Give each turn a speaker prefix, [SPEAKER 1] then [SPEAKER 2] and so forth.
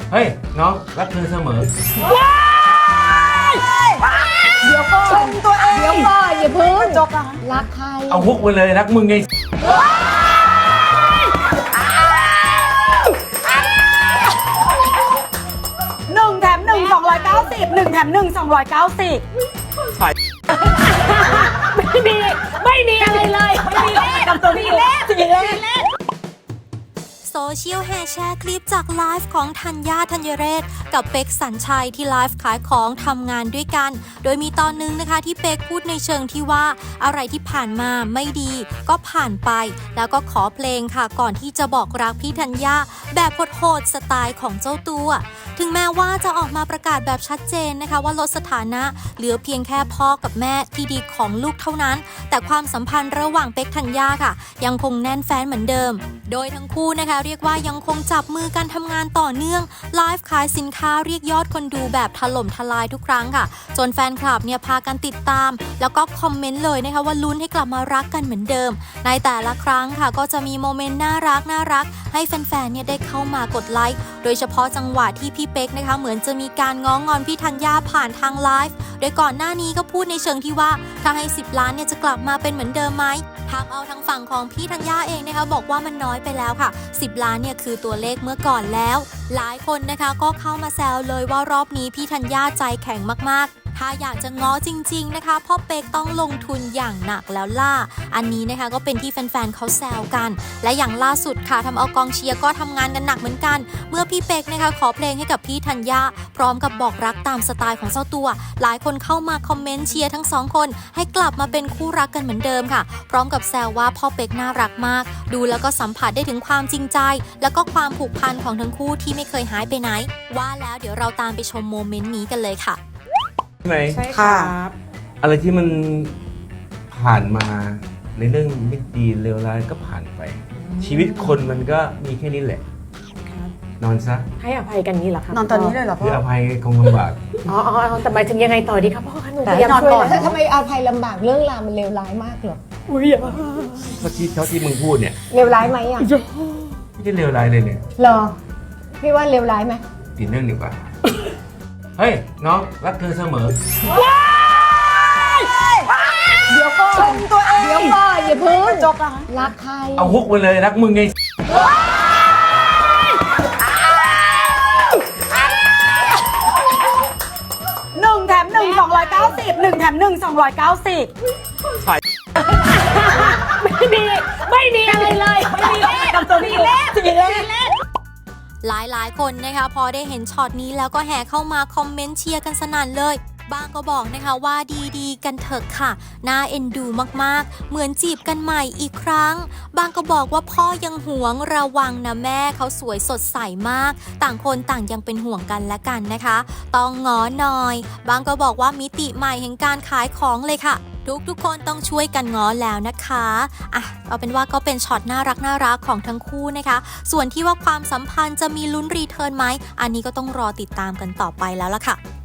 [SPEAKER 1] เฮ้ยน้องรักเธอเสมอ
[SPEAKER 2] เดี๋ยวก่อนตัวเองเดี๋ยวก่อนอย่าเพิ่งจบนะรักใคร
[SPEAKER 1] เอาฮุกไปเลยรักมึงไง
[SPEAKER 2] 1 แถม 1 290 1 แถม 1 290
[SPEAKER 1] ใช่
[SPEAKER 2] ไม่มีอะไรเลยไม่มีเลขกับตัวนี้เลข
[SPEAKER 3] โซเชียลแห่แชร์คลิปจากไลฟ์ของธัญญา ธัญเรศกับเป็กสัญชัยที่ไลฟ์ขายของทำงานด้วยกันโดยมีตอนนึงนะคะที่เป็กพูดในเชิงที่ว่าอะไรที่ผ่านมาไม่ดีก็ผ่านไปแล้วก็ขอเพลงค่ะก่อนที่จะบอกรักพี่ธัญญาแบบโหดๆสไตล์ของเจ้าตัวถึงแม้ว่าจะออกมาประกาศแบบชัดเจนนะคะว่าลดสถานะเหลือเพียงแค่พ่อกับแม่ที่ดีของลูกเท่านั้นแต่ความสัมพันธ์ระหว่างเป็กธัญญาค่ะยังคงแน่นแฟ้นเหมือนเดิมโดยทั้งคู่นะคะเรียกว่ายังคงจับมือกันทำงานต่อเนื่องไลฟ์ขายสินค้าเรียกยอดคนดูแบบถล่มทลายทุกครั้งค่ะจนแฟนคลับเนี่ยพากันติดตามแล้วก็คอมเมนต์เลยนะคะว่าลุ้นให้กลับมารักกันเหมือนเดิมในแต่ละครั้งค่ะก็จะมีโมเมนต์น่ารักให้แฟนๆเนี่ยได้เข้ามากดไลค์โดยเฉพาะจังหวะที่พี่เป็กนะคะเหมือนจะมีการง้องอนพี่ธัญญาผ่านทางไลฟ์โดยก่อนหน้านี้ก็พูดในเชิงที่ว่าถ้าให้10 ล้านเนี่ยจะกลับมาเป็นเหมือนเดิมไหมทำเอาทางฝั่งของพี่ธัญญาเองนะคะบอกว่ามันน้อยไปแล้วค่ะ10 ล้านเนี่ยคือตัวเลขเมื่อก่อนแล้วหลายคนนะคะก็เข้ามาแซวเลยว่ารอบนี้พี่ธัญญาใจแข็งมากๆถ้าอยากจะง้อจริงๆนะคะพ่อเป็กต้องลงทุนอย่างหนักแล้วล่ะอันนี้นะคะก็เป็นที่แฟนๆเขาแซวกันและอย่างล่าสุดค่ะทำเอากองเชียร์ก็ทำงานกันหนักเหมือนกันเมื่อพี่เป็กนะคะขอเพลงให้กับพี่ธัญญาพร้อมกับบอกรักตามสไตล์ของเจ้าตัวหลายคนเข้ามาคอมเมนต์เชียร์ทั้งสองคนให้กลับมาเป็นคู่รักกันเหมือนเดิมค่ะพร้อมกับแซวว่าพ่อเป็กน่ารักมากดูแล้วก็สัมผัสได้ถึงความจริงใจแล้วก็ความผูกพันของทั้งคู่ที่ไม่เคยหายไปไหนว่าแล้วเดี๋ยวเราตามไปชมโมเมนต์นี้กันเลยค่ะ
[SPEAKER 1] ใช่ไหม
[SPEAKER 2] ใช่ครับ
[SPEAKER 1] อะไรที่มันผ่านมาในเรื่องไม่ดีเลวร้ายก็ผ่านไปชีวิตคนมันก็มีแค่นี้แหละนอนซะ
[SPEAKER 4] ให้อภัยกันนี้เหรอครับ
[SPEAKER 2] นอนตอนนี้เลยเหรอพ่อ
[SPEAKER 1] คืออภัยคงลำบาก
[SPEAKER 4] อ๋อแต่หมายถึงยังไงต่อดีครับพ่อคะหนูพ
[SPEAKER 2] แต่
[SPEAKER 4] ยายามช่วย
[SPEAKER 2] นอนก่อน
[SPEAKER 4] ทำไมอภัยลำบากเรื่องราวมันเลวร้ายมากเหรออุ้ย
[SPEAKER 1] เมื่อกี้เท่าที่มึงพูดเนี่ย
[SPEAKER 4] เลวร้ายไหมอ่ะ
[SPEAKER 1] ไม่ได้เลวร้ายเลยเนี่ย
[SPEAKER 4] เหรอพี่ว่าเลวร้ายไหม
[SPEAKER 1] เปลี่ยนเรื่องดีกว่าเฮ้ยน้องรักเธอเสมอ
[SPEAKER 2] เดี๋ยวก่อนตัวเอง
[SPEAKER 4] เดี๋ยวก่อนอย่าเพิ่ง
[SPEAKER 2] จบนะ
[SPEAKER 4] รักใคร
[SPEAKER 1] เอาฮุกไปเลยรักมึงไง
[SPEAKER 2] 1 แถม 1 290 1 แถม 1 290
[SPEAKER 1] ใช่
[SPEAKER 4] ไม่มีอะไรเลยไม่มีเลข
[SPEAKER 2] กับตัวนี้เลข
[SPEAKER 3] หลายคนนะคะพอได้เห็นช็อตนี้แล้วก็แห่เข้ามาคอมเมนต์เชียร์กันสนั่นเลยบางก็บอกนะคะว่าดีๆกันเถอะค่ะน่าเอ็นดูมากๆเหมือนจีบกันใหม่อีกครั้งบางก็บอกว่าพ่อยังหวงระวังนะแม่เขาสวยสดใสมากต่างคนต่างยังเป็นห่วงกันและกันนะคะต้องง้อหน่อยบางก็บอกว่ามิติใหม่แห่งการขายของเลยค่ะทุกคนต้องช่วยกันง้อแล้วนะคะเอาเป็นว่าก็เป็นช็อตน่ารักของทั้งคู่นะคะส่วนที่ว่าความสัมพันธ์จะมีลุ้นรีเทิร์นไหมอันนี้ก็ต้องรอติดตามกันต่อไปแล้วล่ะค่ะ